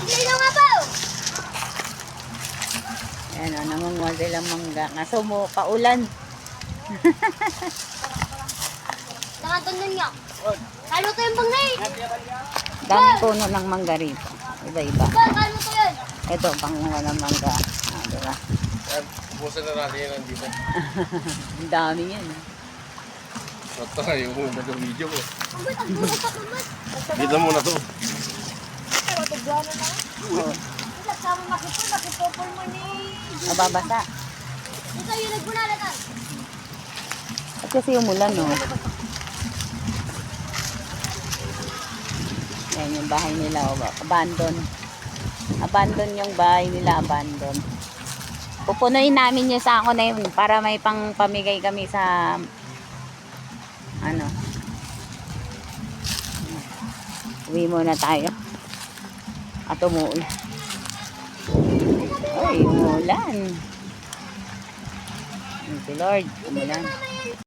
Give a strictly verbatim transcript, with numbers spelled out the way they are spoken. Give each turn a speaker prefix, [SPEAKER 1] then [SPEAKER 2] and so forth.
[SPEAKER 1] Lino nga ba?
[SPEAKER 2] Ayan o, nangunguha silang mangga. Kaso mo, paulan.
[SPEAKER 1] Nakatunan nga. Kalo to yung bangay.
[SPEAKER 2] Daming puno ng mangga rito. Iba-iba.
[SPEAKER 1] Ba, kalo to yun.
[SPEAKER 2] Ito, pangunguha ng mangga. Ah, diba?
[SPEAKER 3] Busan na natin yan nandito.
[SPEAKER 2] Ang dami yan.
[SPEAKER 3] Ito nga yung muna ng video ko.
[SPEAKER 1] Kumat, ang buko pa kumat.
[SPEAKER 3] Dito muna to.
[SPEAKER 1] Pero tigyan na.
[SPEAKER 2] Oh,
[SPEAKER 1] Nagsama makipol, makipopol mo ni...
[SPEAKER 2] mababasa.
[SPEAKER 1] Ito yung nagbunalatan.
[SPEAKER 2] At kasi umulan, no? Yan yung bahay nila. Oh, abandon. Abandon yung bahay nila. Abandon. Pupunuin namin yung sako na yun para may pang pamigay kami sa ano. Uwi muna tayo. At umuulan. Ay, umuulan. Thank you, Lord. Umulan.